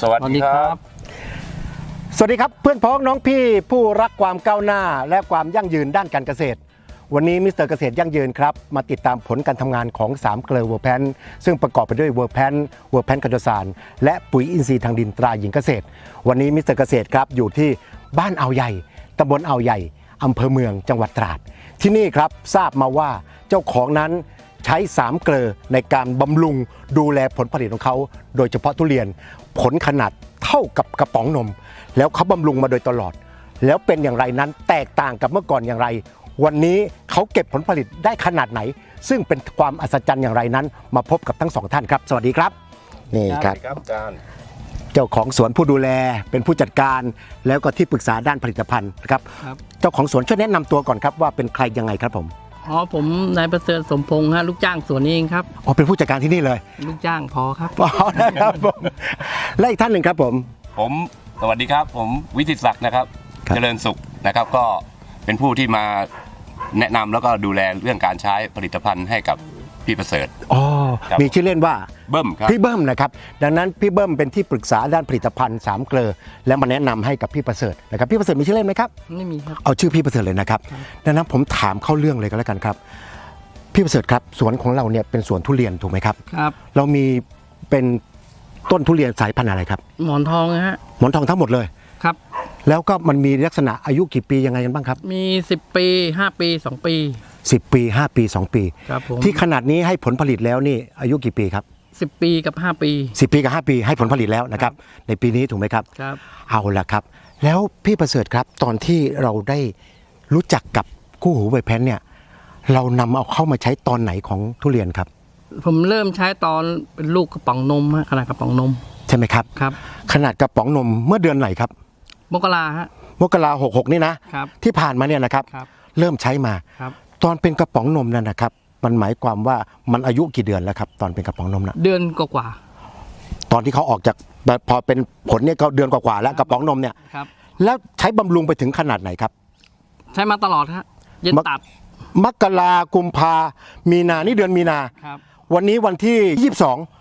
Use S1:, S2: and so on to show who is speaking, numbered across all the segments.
S1: สวัสดีครับ
S2: สวัสดีครับเพื่อนพ้องน้องพี่ผู้รักความก้าวหน้าและความยั่งยืนด้านการเกษตรวันนี้มิสเตอร์เกษตรยั่งยืนครับมาติดตามผลการทำงานของ3เกลือเวอร์แพนซึ่งประกอบไปด้วยเวอร์แพนคาโดซานและปุ๋ยอินทรีย์ทางดินตราหญิงเกษตรวันนี้มิสเตอร์เกษตรครับอยู่ที่บ้านอ่าวใหญ่ตำบลอ่าวใหญ่อำเภอเมืองจังหวัดตราดที่นี่ครับทราบมาว่าเจ้าของนั้นใช้3เกลือในการบำรุงดูแลผลผลิตของเขาโดยเฉพาะทุเรียนผลขนาดเท่ากับกระป๋องนมแล้วเขาบำรุงมาโดยตลอดแล้วเป็นอย่างไรนั้นแตกต่างกับเมื่อก่อนอย่างไรวันนี้เขาเก็บผลผลิตได้ขนาดไหนซึ่งเป็นความอัศจรรย์อย่างไรนั้นมาพบกับทั้งสองท่านครับสวัสดีครับนี่ครับ
S1: อาจารย์
S2: เจ้าของสวนผู้ดูแลเป็นผู้จัดการแล้วก็ที่ปรึกษาด้านผลิตภัณฑ์นะครับเจ้าของสวนช่วยแนะนำตัวก่อนครับว่าเป็นใครยังไงครับผม
S3: อ๋อผมนายประเสริฐสมพงษ์ฮะลูกจ้างสวนนี้เองครับ
S2: อ๋อเป็นผู้จัดการที่นี่เลย
S3: ลูกจ้างพอครับ
S2: อ๋อนะครับผมและอีกท่านหนึ่งครับผม
S1: สวัสดีครับผมวิทิตศักดิ์นะครับเจริญสุขนะครับก็เป็นผู้ที่มาแนะนำแล้วก็ดูแลเรื่องการใช้ผลิตภัณฑ์ให้กับพี่ประเสริฐ
S2: อ๋อมีชื่อเล่นว่า
S1: เบิ้มครับ
S2: พี่เบิ้มนะครับดังนั้นพี่เบิ้มเป็นที่ปรึกษาด้านผลิตภัณฑ์3เกลือและมาแนะนำให้กับพี่ประเสริฐนะครับพี่ประเสริฐมีชื่อเล่นไหมครับ
S3: ไม่มีครับ
S2: เอาชื่อพี่ประเสริฐเลยนะครับดังนั้นผมถามเข้าเรื่องเลยก็แล้วกันครับพี่ประเสริฐครับสวนของเราเนี่ยเป็นสวนทุเรียนถูกไหมครับ
S3: ครับ
S2: เรามีเป็นต้นทุเรียนสายพันธุ์อะไรครับ
S3: หมอนทองนะฮะ
S2: หมอนทองทั้งหมดเลย
S3: ครับ
S2: แล้วก็มันมีลักษณะอายุกี่ปียังไงกันบ้างครับ
S3: มี10ปี5ปี2ปี
S2: 10ปี5ปี2ปี
S3: ครับผม
S2: ที่ขนาดนี้ให้ผลผลิตแล้วนี่อายุกี่ปีครับ
S3: 10ปีกับ5ปี
S2: 10ปีกับ5ปีให้ผลผลิตแล้วนะครับในปีนี้ถูกไหมครับ
S3: ครับ
S2: เอาละครับแล้วพี่ประเสริฐครับตอนที่เราได้รู้จักกับคู่หูใบแพนเนี่ยเรานำเอาเข้ามาใช้ตอนไหนของทุเรียนครับ
S3: ผมเริ่มใช้ตอนเป็นลูกกระป๋องนมฮะขนาดกระป๋องนม
S2: ใช่ไหมครับ
S3: ครับ
S2: ขนาดกระป๋องนมเมื่อเดือนไหนครับ
S3: มกราฮะ
S2: มกรา66นี่นะครับที่ผ่านมาเนี่ยนะครับเริ่มใช้มาตอนเป็นกระป๋องนมนั่นนะครับมันหมายความว่ามันอายุกี่เดือนแล้วครับตอนเป็นกระป๋องนมนะ
S3: เดือนกว่า
S2: ตอนที่เขาออกจากพอเป็นผลเนี่ยก็เดือนกว่าแล้วกระป๋องนมเนี่ยแล้วใช้บำรุงไปถึงขนาดไหนครับ
S3: ใช้มาตลอดฮะยันตัด
S2: มกรากุมภามีนานี่เดือนมีนาวันนี้วันที่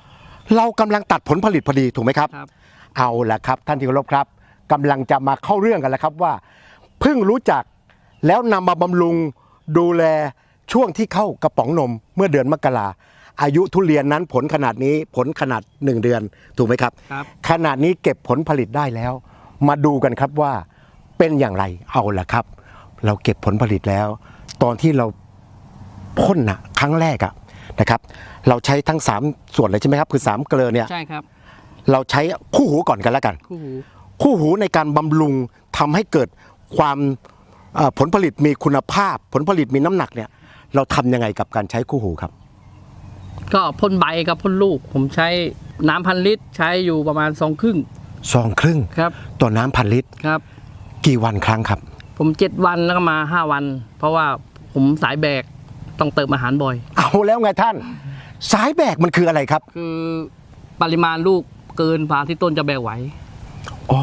S2: 22เรากำลังตัดผลผลิตพอดีถูกไหมครับเอาละครับท่านที่เคารพครับกำลังจะมาเข้าเรื่องกันแล้วครับว่าเพิ่งรู้จักแล้วนำมาบำรุงดูแลช่วงที่เข้ากระป๋องนมเมื่อเดือนมกราอายุทุเรียนนั้นผลขนาดนี้ผลขนาด1เดือนถูกไหมครับขนาดนี้เก็บผลผลิตได้แล้วมาดูกันครับว่าเป็นอย่างไรเอาละครับเราเก็บผลผลิตแล้วตอนที่เราพ่นนะครั้งแรกนะครับเราใช้ทั้ง3ส่วนเลยใช่ไหมครับคือ3เกลือเนี่ย
S3: ใช่ครับ
S2: เราใช้คู่หูก่อนกันแล้วกันคู่หูในการบำรุงทำให้เกิดความผลผลิตมีคุณภาพผลผลิตมีน้ำหนักเนี่ยเราทำยังไงกับการใช้คู่หูครับ
S3: ก็พ่นใบกับพ่นลูกผมใช้น้ำ1,000 ลิตรใช้อยู่ประมาณ2 ครึ่ง
S2: ครับต่อน้ำ1,000 ลิตร
S3: ครับ
S2: กี่วันครั้งครับ
S3: ผม7 วันแล้วก็มา5 วันเพราะว่าผมสายแบกต้องเติมอาหารบ่อย
S2: เอาแล้วไงท่านสายแบกมันคืออะไรครับ
S3: คือปริมาณลูกเกินพาที่ต้นจะแบกไหว
S2: อ๋อ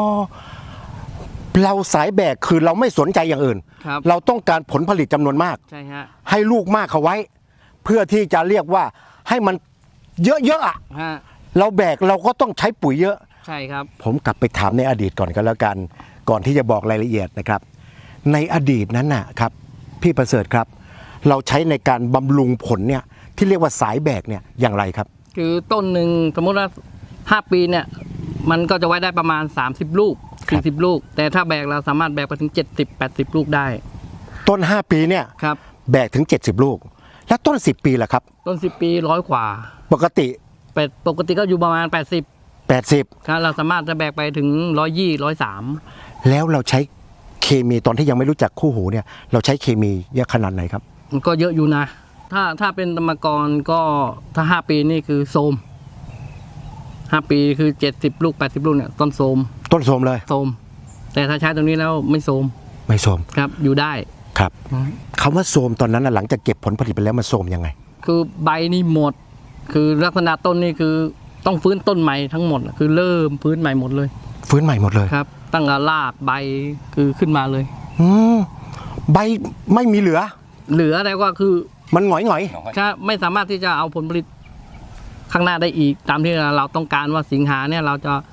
S2: เราสายแบกคือเราไม่สนใจอย่างอื่นเราต้องการผลผลิตจำนวนมาก
S3: ใช่ฮะ
S2: ให้ลูกมากเขาไว้เพื่อที่จะเรียกว่าให้มันเยอะๆเราแบกเราก็ต้องใช้ปุ๋ยเยอะ
S3: ใช่ครับ
S2: ผมกลับไปถามในอดีตก่อนก็แล้วกันก่อนที่จะบอกรายละเอียดนะครับในอดีตนั้นนะครับพี่ประเสริฐครับเราใช้ในการบำรุงผลเนี่ยที่เรียกว่าสายแบกเนี่ยอย่างไรครับ
S3: คือต้นหนึ่งสมมติว่า5 ปีเนี่ยมันก็จะไว้ได้ประมาณ30 ลูก40 ลูกแต่ถ้าแบกเราสามารถแบกไปถึง70-80 ลูกได้
S2: ต้น5 ปีเนี่ยแบกถึง70 ลูกแล้วต้น10 ปีล่ะครับ
S3: ต้น10 ปี100 กว่า
S2: ปกติ
S3: ก็อยู่ประมาณ80ครับเราสามารถจะแบกไปถึง120-130
S2: แล้วเราใช้เคมีตอนที่ยังไม่รู้จักคู่หูเนี่ยเราใช้เคมีเยอะขนาดไหนครับ
S3: มันก็เยอะอยู่นะถ้าเป็นธรรมกรก็ถ้า5 ปีนี่คือโทรม5 ปีคือ70 ลูก80 ลูกเนี่ยต้นโทรม
S2: เลย
S3: โทรมแต่ถ้าใช้ตรงนี้แล้วไม่โทรมครับอยู่ได้
S2: ครับคำว่าโทรมตอนนั้นหลังจากเก็บผลผลิตไปแล้วมันโทรมยังไง
S3: คือใบนี่หมดคือลักษณะต้นนี่คือต้องฟื้นต้นใหม่ทั้งหมดคือเริ่มฟื้นใหม่หมดเลยครับตั้งแต่รากใบคือขึ้นมาเลย
S2: ใบไม่มีเหลือ
S3: อะไรก็คือ
S2: มันหงอย
S3: ใช่ไม่สามารถที่จะเอาผลผลิตข้างหน้าได้อีกตามที่เราต้องการว่าสิงหาเนี่ยเราจะ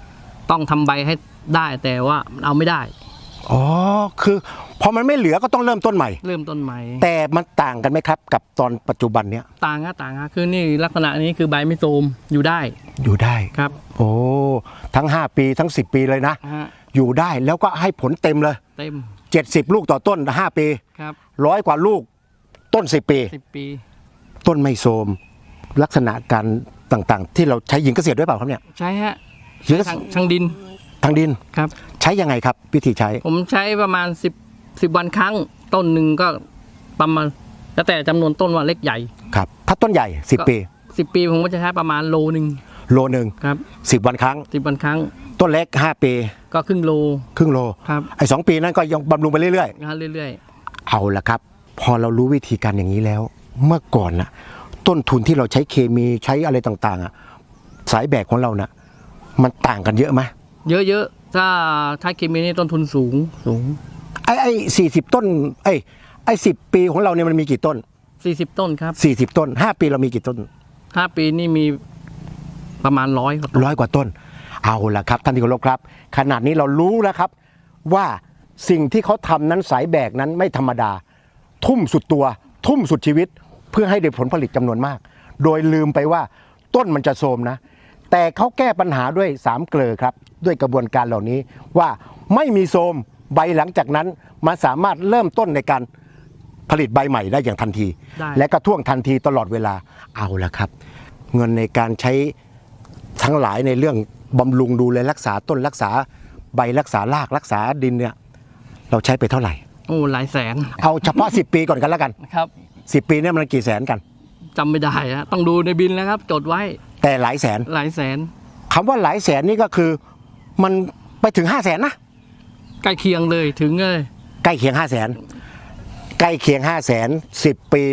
S3: ต้องทำใบให้ได้แต่ว่าเอาไม่ได้
S2: อ๋อคือพอมันไม่เหลือก็ต้องเริ่มต้นใหม่
S3: เริ่มต้นใหม่
S2: แต่มันต่างกันไหมครับ กับตอนปัจจุบันเนี้ย
S3: ต่างฮะคือนี่ลักษณะนี้คือใบไม่โทรมอยู่ได้
S2: อยู่ได้
S3: ครับ
S2: โอ้ทั้ง5ปีทั้ง10ปีเลยนะ
S3: ฮะ
S2: อยู่ได้แล้วก็ให้ผลเต็มเลย
S3: เต็ม
S2: 70 ลูกต่อต้น5ปี
S3: ครับ
S2: 100 กว่าลูกต้น10 ปี
S3: 10 ปี
S2: ต้นไม่โทรมลักษณะการต่างๆ ที่เราใช้หญิงเกษตรด้วยเปล่าครับเนี่ย
S3: ใช้ฮะ
S2: หญิงเกษ
S3: ทางดิน
S2: ทางดิน
S3: ครับ
S2: ใช้ยังไงครับวิธีใช้
S3: ผมใช้ประมาณ10 วันครั้งต้นหนึ่งก็ประมาณแล้วแต่จำนวนต้นว่าเล็กใหญ่
S2: ครับถ้าต้นใหญ่10 ปี
S3: 10 ปีผมก็จะใช้ประมาณโลนึง
S2: โลหนึ่ง
S3: ครับ
S2: 10 วันครั้ง
S3: 10 วันครั้ง
S2: ต้นเล็ก5 ปี
S3: ก็ครึ่งโล
S2: ครึ่งโล
S3: ครับ
S2: ไอ้2 ปีนั้นก็ยังบำรุงไปเรื่อย
S3: นะฮะเรื่อย
S2: ๆเอาละครับ พอเรารู้วิธีการอย่างนี้แล้ว เมื่อก่อนน่ะต้นทุนที่เราใช้เคมีใช้อะไรต่างๆอ่ะสายแบกของเราน่ะมันต่างกันเยอะไหม
S3: ๆ เยอะๆถ้าใช้เคมีนี่ต้นทุนสูง
S2: ไอ้40 ต้นไอ้10 ปีของเราเนี่ยมันมีกี่ต้น
S3: 40 ต้นครับ
S2: 40 ต้น5 ปีเรามีกี่ต้น
S3: 5 ปีนี่มีประมาณ100ครับ
S2: 100 กว่าต้น เอาละครับท่านที่เคารพครับ ขนาดนี้เรารู้แล้วครับ ว่าสิ่งที่เขาทำนั้นสายแบกนั้นไม่ธรรมดา ทุ่มสุดตัว ทุ่มสุดชีวิต เพื่อให้ได้ผลผลิตจำนวนมาก โดยลืมไปว่าต้นมันจะโทรมนะ แต่เขาแก้ปัญหาด้วย3 เกลอครับ ด้วยกระบวนการเหล่านี้ว่าไม่มีโทรมใบหลังจากนั้นมันสามารถเริ่มต้นในการผลิตใบใหม่ได้อย่างทันที
S3: ได้
S2: และกระท่วงทันทีตลอดเวลาเอาละครับ เงินในการใช้ทั้งหลายในเรื่องบำรุงดูแลรักษาต้นรักษาใบรักษารากรักษาดินเนี่ยเราใช้ไปเท่าไหร่
S3: โอ้หลายแสน
S2: เอาเฉพาะ 10 ปีก่อนกันแล้วกัน
S3: ครับ
S2: 10 ปีเนี่ยมันกี่แสนกัน
S3: จำไม่ได้ฮะต้องดูในบินแล้วครับ จดไว้
S2: แต่หลายแสน
S3: หลายแสน
S2: คำว่าหลายแสนนี่ก็คือมันไปถึง5 0 0 0 0นนะ
S3: ใกล้เคียงเลยถึงเลย
S2: ใกล้เคียง5 0 0 0 0นใกล้เคียง5 0 0 0 0 10 ปี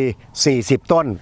S2: 40 ต้น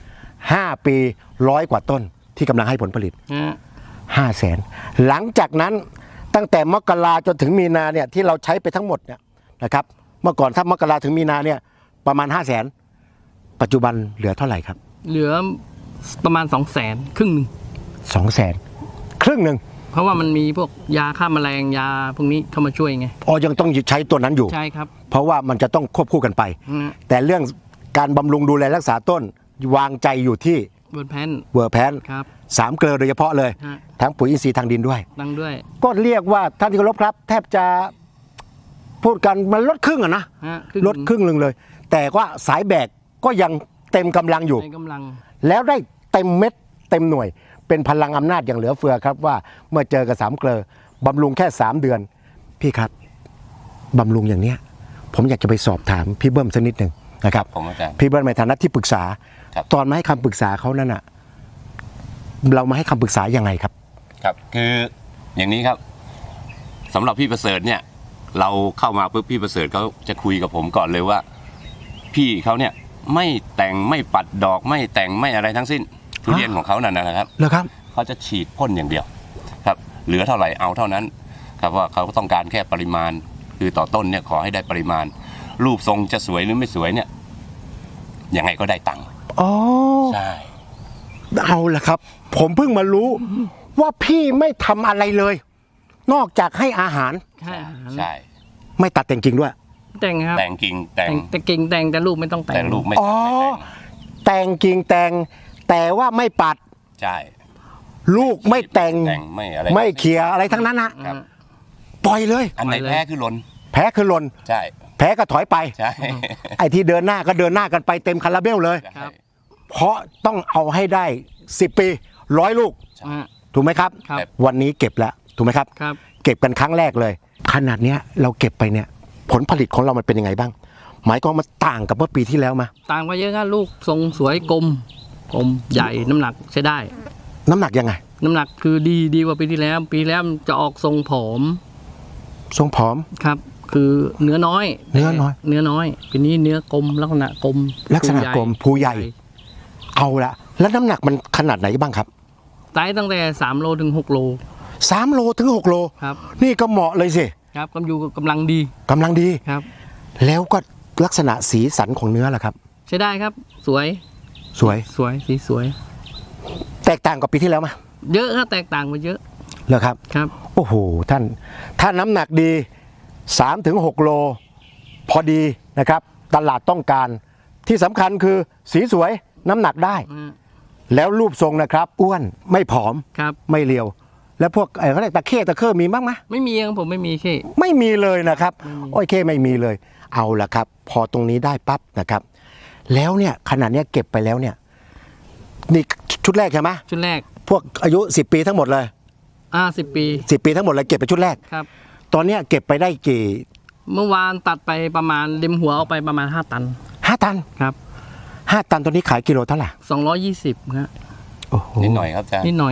S2: 5 ปี100 กว่าต้นที่กำลังให้ผลผลิต
S3: ฮะ
S2: 5 0 0 0 0 0หลังจากนั้นตั้งแต่มกราจนถึงมีนาเนี่ยที่เราใช้ไปทั้งหมดเนี่ยนะครับเมื่อก่อนถ้ามกราถึงมีนาเนี่ยประมาณ 5 0 0 0 0 0ปัจจุบันเหลือเท่าไหร่ครับ
S3: เหลือประมาณ200,000ครึ่งหนึ่ง
S2: 200,000 ครึ่งหนึ่ง
S3: เพราะว่ามันมีพวกยาฆ่าแมลงยาพวกนี้เข้ามาช่วยไง
S2: อ๋อยังต้องใช้ตัวนั้นอยู่
S3: ใช่ครับ
S2: เพราะว่ามันจะต้องควบคู่กันไป
S3: นะ
S2: แต่เรื่องการบำรุงดูแลรักษาต้นวางใจอยู่ที่
S3: เบิร์ดแพน
S2: เวอร์แพน
S3: ครับ
S2: 3 เกลือโดยเฉพาะเลย
S3: ฮะ
S2: ทั้งปุ๋ยอินทรีย์ทางดินด้วย
S3: ดังด้วย
S2: ก็เรียกว่าท่านที่เคารพครับ แทบจะพูดกันมันลดครึ่งอะนะ
S3: ฮะ
S2: ลดครึ่งหนึ่งเลย แต่ว่าสายแบกก็ยังเต็มกำลังอยู่
S3: ในกำลัง
S2: แล้วได้เต็มเม็ดเต็มหน่วย เป็นพลังอำนาจอย่างเหลือเฟือครับว่าเมื่อเจอกับ3 เกลือบำรุงแค่3 เดือน พี่ครับบำรุงอย่างเนี้ยผมอยากจะไปสอบถามพี่เบิ้มสักนิดหนึ่งนะครับ
S1: ผมอาจารย์
S2: พี่เบิ้มในฐานะที่ปรึกษา
S1: ครับ
S2: ตอนมาให้คำปรึกษาเขานั่นน่ะเรามาให้คำปรึกษายังไงครับ
S1: ครับคืออย่างนี้ครับสำหรับพี่ประเสริฐเนี่ยเราเข้ามาปุ๊บพี่ประเสริฐเขาจะคุยกับผมก่อนเลยว่า พี่เขาเนี่ยไม่แต่งไม่ปัดดอกไม่แต่งไม่อะไรทั้งสิ้นทุเรียนของเขานั่นนะครับ
S2: เหรอครับ
S1: เขาจะฉีดพ่นอย่างเดียวครับเหลือเท่าไหร่เอาเท่านั้นครับว่าเขาต้องการแค่ปริมาณ คือต่อต้นเนี่ยขอให้ได้ปริมาณ รูปทรงจะสวยหรือไม่สวยเนี่ยยังไงก็ได้ตังค์
S2: อ๋อ
S1: ใช่
S2: เอาละครับ ผมเพิ่งมารู้ว่าพี่ไม่ทำอะไรเลย นอกจากให้อาหาร
S3: ใช่อาหาร
S1: ใช่
S2: ไม่ตัดแต่งกิ่งด้วย
S3: แต่งครับ
S1: แต่งกิ่งแต่ง
S3: แต่กิ่งแต่งแต่ลูกไม่ต้องแต่ง
S1: แต่ลูกไม่
S2: อ๋อ
S1: ไม่แต่ง
S2: แต่งกิ่งแต่งแต่ว่าไม่ปัด
S1: ใช่
S2: ลูกไม่แต่ง
S1: ไม่อะไร
S2: ไม่เขี่ยอะไรทั้งนั้นนะครับ ปล่อยเลย
S1: อันไหนแพ้คือหล่น
S2: แพ้คือหล่น
S1: ใช่
S2: แพ้ก็ถอยไป
S1: ใช่
S2: ไอ้ที่เดินหน้าก็เดินหน้ากันไปเต็มคาราเบลเลย
S3: ครับ
S2: เพราะต้องเอาให้ได้10 ปี100 ลูก
S3: ฮะ
S2: ถูกไหมครับ
S3: ครับ
S2: วันนี้เก็บแล้วถูกไหมครับ
S3: ครับ
S2: เก็บกันครั้งแรกเลย ขนาดเนี้ยเราเก็บไปเนี่ยผลผลิตของเรามันเป็นยังไงบ้าง หมายความมันต่างกับเมื่อปีที่แล้วมา
S3: ต่างไปเยอะครับลูกทรงสวยกลมใหญ่น้ำหนักใช้ได้
S2: น้ำหนักยังไง
S3: น้ำหนักคือดีกว่าปีที่แล้ว ปีแล้วจะออกทรงผอม
S2: ทรงผอม
S3: ครับ คือเนื้อน้อย
S2: เนื้อน้อย
S3: เนื้อน้อยปีนี้เนื้อกลมลักษณะกลม
S2: ลักษณะกลมภูใหญ่ เอาละแล้วน้ำหนักมันขนาดไหนบ้างครับ
S3: ไซส์ตั้งแต่3 โลถึง 6 โล
S2: 3 โลถึง 6 โล
S3: ครับ
S2: นี่ก็เหมาะเลยสิ
S3: ครับกำอยู่กำลังดี
S2: กำลังดี
S3: ครับ
S2: แล้วก็ลักษณะสีสันของเนื้อล่ะครับ
S3: ใช้ได้ครับ สวย
S2: สวย
S3: สีสวย
S2: แตกต่างกับปีที่แล้วไหม
S3: เยอะครับแตกต่างไปเยอะ
S2: เหรอครับ
S3: ครับ
S2: โอ้โหท่านถ้าน้ำหนักดี 3-6 โลพอดีนะครับตลาดต้องการที่สำคัญคือสีสวยน้ำหนักได้ แล้วรูปทรงนะครับอ้วนไม่ผอม
S3: ครับ
S2: ไม่เรียว แล้วพวกเขาเรียกตะเข้มีบ้างไหม
S3: ไม่มีครับผมไม่มีที่
S2: ไม่มีเลยนะครับโอ้ยเข้ไม่มีเลยเอาละครับ พอตรงนี้ได้ปั๊บนะครับ แล้วเนี่ยขนาดเนี้ยเก็บไปแล้วเนี่ยนี่ชุดแรกใช่ไหม
S3: ชุดแรก
S2: พวกอายุ10 ปีทั้งหมดเลย
S3: 10 ปี
S2: 10 ปีทั้งหมดเลยเก็บไปชุดแรก
S3: ครับ
S2: ตอนเนี้ยเก็บไปได้กี่
S3: เมื่อวานตัดไปประมาณเล็มหัวออกไปประมาณ5 ตัน
S2: 5 ตัน
S3: ครับ
S2: 5 ตันตัวนี้ขายกิโลเท่าไหร่
S3: 220ครับ
S2: โอ้โห
S1: นิดหน่อยครับอาจารย์
S3: นิดหน่อย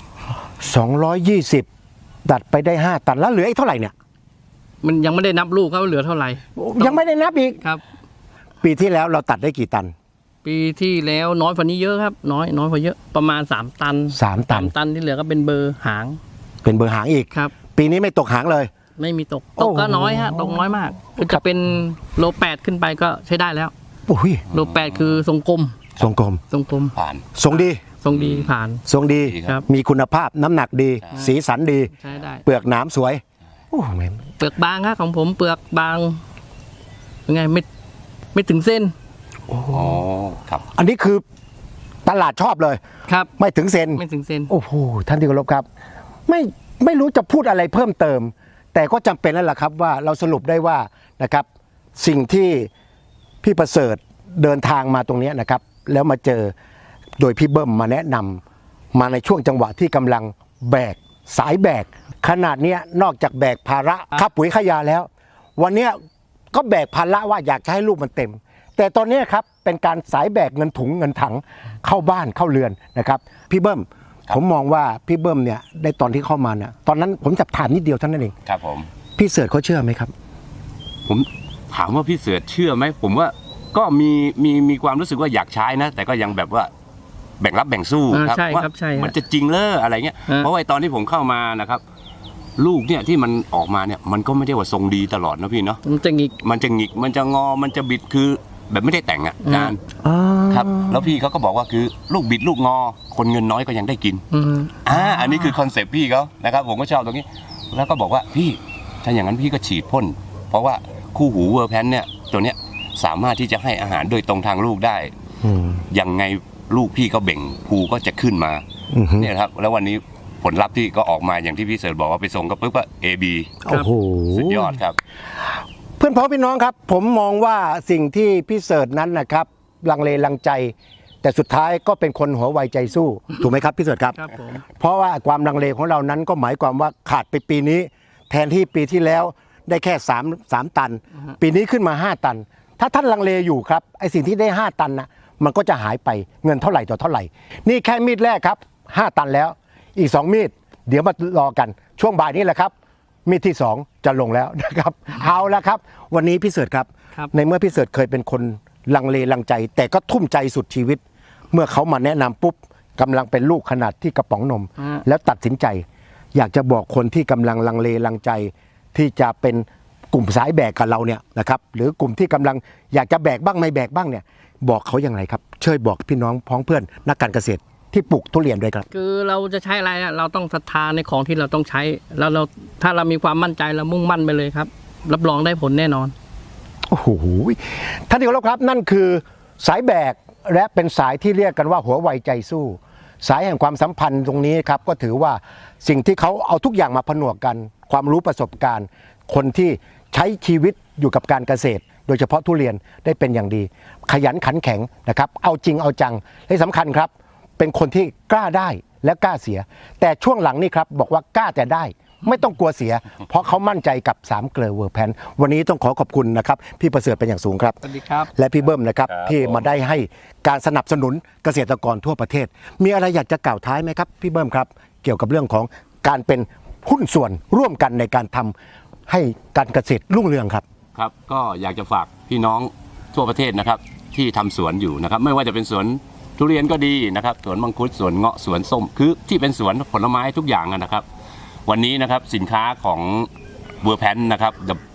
S2: 220 ดัดไปได้ 5 ตันแล้วเหลืออีกเท่าไหร่เนี่ย
S3: มันยังไม่ได้นับลูกครับว่าเหลือเท่าไหร่
S2: ยังไม่ได้นับอีก
S3: ครับ
S2: ปีที่แล้วเราตัดได้กี่ตัน
S3: ปีที่แล้วน้อยกว่านี้เยอะครับ น้อยกว่าเยอะประมาณ3 ตัน
S2: 3 ตัน
S3: 3 ตันที่เหลือก็เป็นเบอร์หาง
S2: เป็นเบอร์หางอีก
S3: ครับ
S2: ปีนี้ไม่ตกหางเลย
S3: ไม่มีตก
S2: โอ้
S3: ต
S2: โห
S3: กก็น้อยฮะตกน้อยมากคือ
S2: ครั
S3: จะ
S2: บ
S3: เป็นโล8ขึ้นไปก็ใช้ได้แล้ว
S2: โอ้ย
S3: โล8คือทรงกลม
S2: ทรงกลม
S3: ทรงกลม
S1: ผ่าน
S2: ทรงดี
S3: ทรงดีผ่าน
S2: ทรงดี
S3: ครับ
S2: มีคุณภาพน้ำหนักดี สีสันดี
S3: ใช้ได้
S2: เปลือกหนามสวยโอ้แม่ง
S3: เปลือกบางครับของผมเปลือกบางยังไงไม่ถึงเส้น
S1: อ๋อครับ
S2: อันนี้คือตลาดชอบเลย
S3: ครับ
S2: ไม่ถึงเซน
S3: ไม่ถึงเส้น
S2: โอ้โหท่านที่เคารพครับ ไม่รู้จะพูดอะไรเพิ่มเติม แต่ก็จำเป็นแล้วล่ะครับว่าเราสรุปได้ว่านะครับ สิ่งที่พี่ประเสริฐเดินทางมาตรงเนี้ยนะครับ แล้วมาเจอโดยพี่เบิ้มมาแนะนำมาในช่วงจังหวะที่กำลังแบกสายแบกขนาดเนี้ยนอกจากแบกภาระค่าปุ๋ยค่ายาแล้ว วันเนี้ยก็แบกภาระว่าอยากจะให้ลูกมันเต็ม แต่ตอนเนี้ยครับเป็นการสายแบกเงินถุงเงินถังเข้าบ้านเข้าเรือนนะครับ พี่เบิ้มผมมองว่าพี่เบิ้มเนี่ยได้ตอนที่เข้ามาเนี่ยตอนนั้นผมจับถามนิดเดียวเท่านั้นเอง
S1: ครับผม
S2: พี่เสิร์ชเขาเชื่อไหมครับ
S1: ผมถามว่าพี่เสือเชื่อไหมผมว่าก็มีความรู้สึกว่าอยากใช้นะ แต่ก็ยังแบบว่าแบ่งรับแบ่งสู้
S3: อ่า
S1: ครับ
S3: ใช่
S1: ว่า
S3: ครับใช่ครับ
S1: มันจะจริงเลออะไรเงี้ย
S3: ฮะ
S1: เพราะว่าไอ้ตอนที่ผมเข้ามานะครับ ลูกเนี่ยที่มันออกมาเนี่ยมันก็ไม่ได้ว่าทรงดีตลอดนะพี่เนาะ
S3: มันจะหงิก
S1: มันจะหงิกมันจะงอมันจะบิดคือแบบไม่ได้แต่งอ่ะอาจารย์
S2: อ๋อ
S1: ครับ แล้วพี่เขาก็บอกว่าคือลูกบิดลูกงอ คนเงินน้อยก็ยังได้กิน อันนี้คือคอนเซปต์พี่เขานะครับ ผมก็ชอบตรงนี้ แล้วก็บอกว่าพี่ถ้าอย่างนั้นพี่ก็ฉีดพ่นเพราะว่าคู่หูเวอร์แพนเนี่ยตัวเนี้ยสามารถที่จะให้อาหารโดยตรงทางลูกได้
S2: อืม
S1: ยังไงลูกพี่ก็เบ่งภูก็จะขึ้นมา
S2: อือฮึ
S1: เนี่ยครับแล้ววันนี้ผลลัพธ์ที่ก็ออกมาอย่างที่พี่เสิร์ชบอกว่าไปส่งก็ปุ๊บก็ AB
S2: โอ้โห
S1: สุดยอดครับ
S2: เพื่อนพ้องพี่น้องครับ ผมมองว่าสิ่งที่พี่เสิร์ชนั้นนะครับลังเลลังใจ แต่สุดท้ายก็เป็นคนหัวไวใจสู้ ถูกไหมครับพี่เสิร์ชครับ
S3: ครับผม
S2: เพราะว่าความลังเลของเรานั้นก็หมายความว่าขาดไปปีนี้ แทนที่ปีที่แล้วได้แค่3 ตัน ปีนี้ขึ้นมา 5 ตัน ถ้าท่านลังเลอยู่ครับไอสิ่งที่ได้ 5 ตันนะมันก็จะหายไปเงินเท่าไหร่ต่อเท่าไหร่ นี่แค่มีดแรกครับ 5 ตันแล้วอีก 2 มีด เดี๋ยวมารอกันช่วงบ่ายนี้แหละครับ มีดที่ 2 จะลงแล้วนะครับ เอาละครับ วันนี้พี่เสิร์ชครับ
S3: ครับ
S2: ในเมื่อพี่เสิร์ชเคยเป็นคนลังเลลังใจ แต่ก็ทุ่มใจสุดชีวิต เมื่อเขามาแนะนำปุ๊บกำลังเป็นลูกขนาดที่กระป๋องนม แล้วตัดสินใจ อยากจะบอกคนที่กำลังลังเลลังใจ ที่จะเป็นกลุ่มสายแบกกับเราเนี่ยนะครับหรือกลุ่มที่กำลังอยากจะแบกบ้างไม่แบกบ้างเนี่ยบอกเขาอย่างไรครับช่วยบอกพี่น้องพ้องเพื่อนนักการเกษตรที่ปลูกทุเรียนด้วยครับ
S3: คือเราจะใช้อะไรอะเราต้องศรัทธาในของที่เราต้องใช้แล้วเราถ้าเรามีความมั่นใจเรามุ่งมั่นไปเลยครับ รับรองได้ผลแน่นอน
S2: โอ้โหท่านที่เคารพครับนั่นคือสายแบกและเป็นสายที่เรียกกันว่าหัวไวใจสู้ สายแห่งความสัมพันธ์ตรงนี้ครับก็ถือว่าสิ่งที่เขาเอาทุกอย่างมาผนวกกัน ความรู้ประสบการณ์ คนที่ใช้ชีวิตอยู่กับการเกษตร โดยเฉพาะทุเรียนได้เป็นอย่างดี ขยันขันแข็งนะครับเอาจริงเอาจังและสำคัญครับ เป็นคนที่กล้าได้และกล้าเสีย แต่ช่วงหลังนี่ครับบอกว่ากล้าแต่ได้ ไม่ต้องกลัวเสีย เพราะเขามั่นใจกับ3เกลอเวอร์แพนวันนี้ต้องขอขอบคุณนะครับพี่ประเสริฐเป็นอย่างสูงครับ
S3: สวัสดีครับ
S2: และพี่เบิ้มนะครับ
S1: ครับ
S2: ที่
S1: ผม
S2: มาได้ให้การสนับสนุนเกษตรกรทั่วประเทศ มีอะไรอยากจะกล่าวท้ายไหมครับพี่เบิ้มครับเกี่ยวกับเรื่องของการเป็นหุ้นส่วนร่วมกันในการทำให้การเกษตรรุ่งเรืองครับ
S1: ครับก็อยากจะฝากพี่น้องทั่วประเทศนะครับที่ทำสวนอยู่นะครับไม่ว่าจะเป็นสวนทุเรียนก็ดีนะครับสวนมังคุดสวนเงาะสวนส้มคือที่เป็นสวนผลไม้ทุกอย่างนะครับ วันนี้นะครับสินค้าของเวอร์แพนนะครับ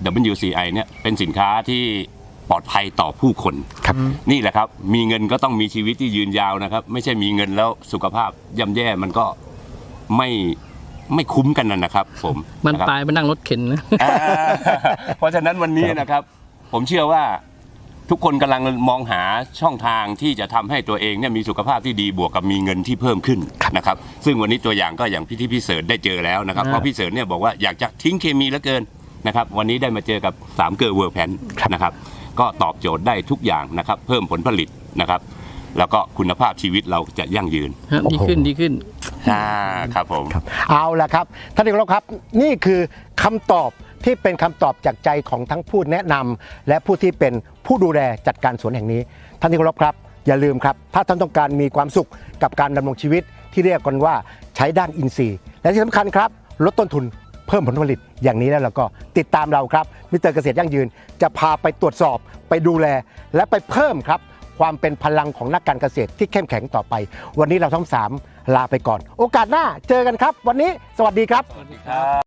S1: WCI เนี่ยเป็นสินค้าที่ปลอดภัยต่อผู้คน
S2: ครับ
S1: นี่แหละครับมีเงินก็ต้องมีชีวิตที่ยืนยาวนะครับ ไม่ใช่มีเงินแล้วสุขภาพย่ำแย่มันก็ไม่ไม่คุ้มกันนะครับผม
S3: มัน
S1: นะครับ
S3: ปลายไปนั่งรถเข็นนะ
S1: เพราะฉะนั้นวันนี้นะครับ ผมเชื่อว่าทุกคนกำลังมองหาช่องทางที่จะทำให้ตัวเองเนี่ยมีสุขภาพที่ดีบวกกับมีเงินที่เพิ่มขึ้นนะครับซึ่งวันนี้ตัวอย่างก็อย่างที่พี่เสิร์ชได้เจอแล้วนะครับเพราะพี่เสิร์ชเนี่ยบอกว่าอยากจะทิ้งเคมีเหลือเกินนะครับวันนี้ได้มาเจอกับ3เกอร์เวิร์แพนนะครับก็ตอบโจทย์ได้ทุกอย่างนะครับเพิ่มผลผลิตนะครับแล้วก็คุณภาพชีวิตเราจะยั่งยืน
S3: ดีขึ้นดีขึ้น
S1: ครับผม
S2: ครับเอาละครับท่านที่เคารพครับนี่คือคำตอบที่เป็นคำตอบจากใจของทั้งผู้แนะนำและผู้ที่เป็นผู้ดูแลจัดการสวนแห่งนี้ท่านที่เคารพครับอย่าลืมครับถ้าท่านต้องการมีความสุขกับการดำรงชีวิตที่เรียกกันว่าใช้ด้านอินทรีย์และที่สำคัญครับลดต้นทุนเพิ่มผลผลิตอย่างนี้แล้วเราก็ติดตามเราครับมิสเตอร์เกษตรยั่งยืนจะพาไปตรวจสอบไปดูแลและไปเพิ่มครับความเป็นพลังของนักการเกษตรที่เข้มแข็งต่อไปวันนี้เราทั้ง3ลาไปก่อนโอกาสหน้าเจอกันครับวันนี้สวัสดีครับ